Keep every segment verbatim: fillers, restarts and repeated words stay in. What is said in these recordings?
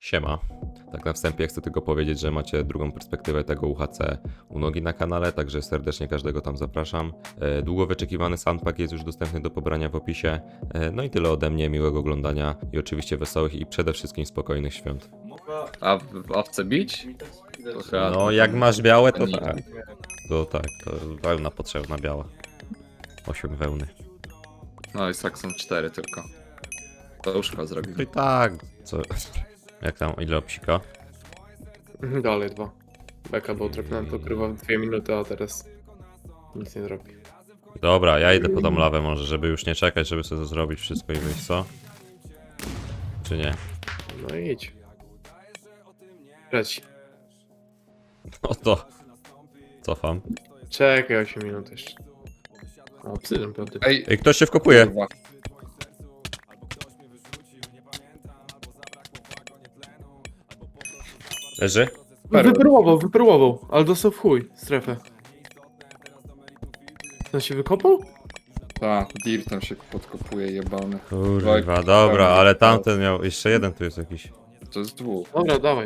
Siema. Tak na wstępie chcę tylko powiedzieć, że macie drugą perspektywę tego U H C u Nogi na kanale, także serdecznie każdego tam zapraszam. E, Długo wyczekiwany soundpack jest już dostępny do pobrania w opisie. E, No i tyle ode mnie, miłego oglądania i oczywiście wesołych i przede wszystkim spokojnych świąt. A w owce bić? To chyba- No jak masz białe, to Nie. tak. To tak, to wełna potrzebna biała. Osiem wełny. No i tak są cztery tylko. To już chyba zrobił. No i tak, co... Jak tam, ile obsika? Dalej dwa. Beka, bo trafnąłem to krywa w dwie minuty, a teraz nic nie zrobi. Dobra, ja idę po tą lawę może, żeby już nie czekać, żeby sobie to zrobić wszystko i wyjść, co? Czy nie? No i idź. Trzeci. No to... Cofam. Czekaj osiem minut jeszcze. O, psydem piąty. Ej, Ej, ktoś się wkopuje. kurwa. Leży? Wypróbował, wypróbował, ale dostał w chuj strefę. On się wykopał? Ta, Dir tam się podkopuje jebany. Kurwa, dobra, ale tamten miał... Jeszcze jeden tu jest jakiś. To jest dwóch. Dobra, dawaj.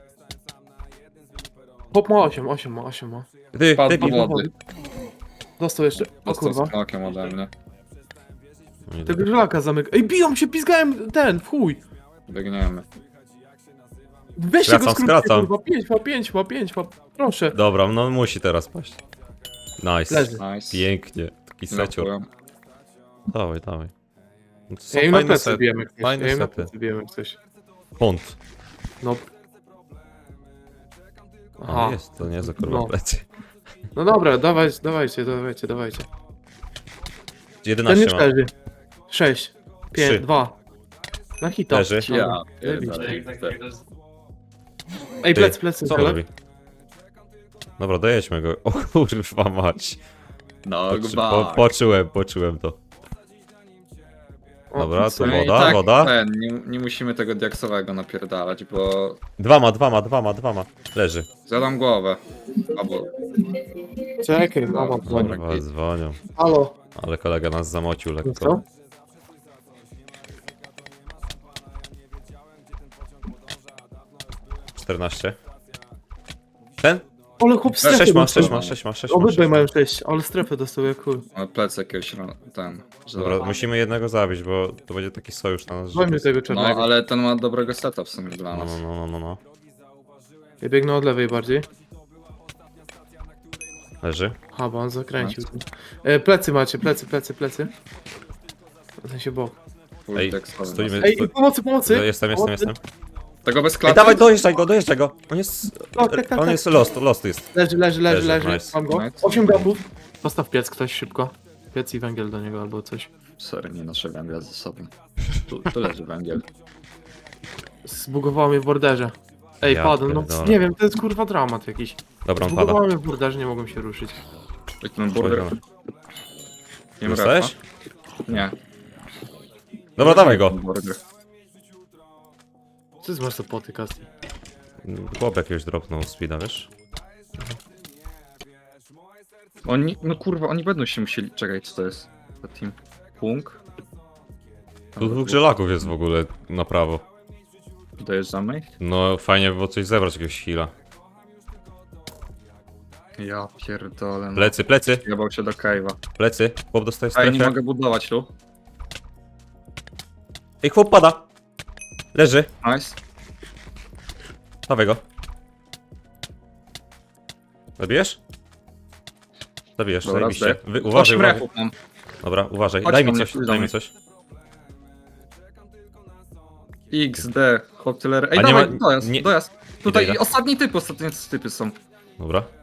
Hop ma osiem, osiem ma, osiem ma. Ty, Padł ty, do pi... wody. Dostał jeszcze. O Dostał kurwa. z knokiem ode mnie. Tego żelaka zamyka. Ej, biją się, pizgałem ten, w chuj. Biegniemy. Weźcie Skracam, go skrótnie, skracam. kurwa. pięć ma, pięć ma, pięć ma. Proszę. Dobra, no musi teraz paść. Nice. Leży. Nice. Pięknie. Taki secior. Dziękuję. Dawaj, dawaj. No to są Ja im na fajne plecy sety. bijemy jak coś. Fajne Ja im na sety. plecy bijemy jak coś. Hunt. No. A, Aha. jest, to nie za kurwa No. plecy. No dobra, dawajcie, dawajcie, dawajcie, dawajcie. Ten jedenaście już ma. leży. sześć, pięć, Trzy. dwa. Na hita. Leży. Dobra, Ja zajebiście. pierdolę. Ej, Ty, plec, plecy. Co on robi? Dobra, dojedźmy go. O kurwa mać. No, Poczy, gba. po, poczułem, poczułem to. Dobra, to No i woda, tak, woda. Ten, nie, nie musimy tego diaksowego napierdalać, bo Dwa ma, dwa ma, dwa ma, dwa ma. Leży. zjadam głowę. Albo Czekaj, mama dzwoni. Kurwa, dzwonią. Halo. Ale kolega nas zamocił lekko. Co? czternaście. Ten? Ale chłop strefę sześć ma, dostał. sześć ma, sześć ma, sześć ma. Obydwaj sześć ma. mają sześć, ale strefę dostał jak chuj. mamy plec jakiegoś ra- ten. Dobra, żelaza. musimy jednego zabić, bo to będzie taki sojusz na nas. że to Dzwońmy jest- tego No, czarnego. ale ten ma dobrego seta w sumie dla No, nas. no, no, no, no. Ja biegnę od lewej bardziej. Leży. Ha, bo on zakręcił. E, plecy macie, plecy, plecy, plecy. W sensie bok. Full Ej, diaksowy stoimy- nas. Ej, Stoi- pomocy, pomocy! No, jestem, jestem, Pomocy. jestem. Tego bez Ej, klaty? dawaj, dojeżdżaj go, dojeżdżaj go. On jest... Tak, tak, tak, On tak. jest lost, lost jest. Leży, leży, leży, Leży, leży. nice. Mam go. Nice. osiem gapów. Postaw piec ktoś szybko. Piec i węgiel do niego albo coś. Sorry, nie noszę węgla ze sobą. Tu, tu leży węgiel. Zbugowało mnie w borderze. Ej, Ja padł, no pierdolę. nie wiem, to jest kurwa dramat jakiś. Dobra, on pada. Zbugowało mnie w borderze, nie mogłem się ruszyć. Ej, ten burger. Nie wiem, Dostałeś? Nie. Dobra, dawaj go. Burger. Co ty masz za poty, Kasti? Chłop jakiegoś dropnął speeda, wiesz? Oni, no kurwa, oni będą się musieli... Czekaj, co to jest? To team Punk? Tu dwóch żelaków jest w ogóle na prawo. Dojeżdżamy ich? No fajnie by było coś zebrać, jakiegoś heala. Ja pierdolę. No. Plecy, plecy, Jebał się do cave'a. plecy. Chłop dostaje Ej, nie strefę. mogę budować tu. Ej, chłop pada. Leży. Nice. Dawaj go. Zabijesz? Zabijesz, Dobra, zajebiście. zdech. Wy, uważaj, Osiem uważaj. repów mam. Dobra, uważaj. Chodź Daj do mi mnie, coś, chodź do daj mi mnie. coś. X D, hop tyle. Ej, A nie dawaj, ma- dojazd, nie- dojazd. Tutaj idę. ostatni typ, ostatnie typy są. Dobra.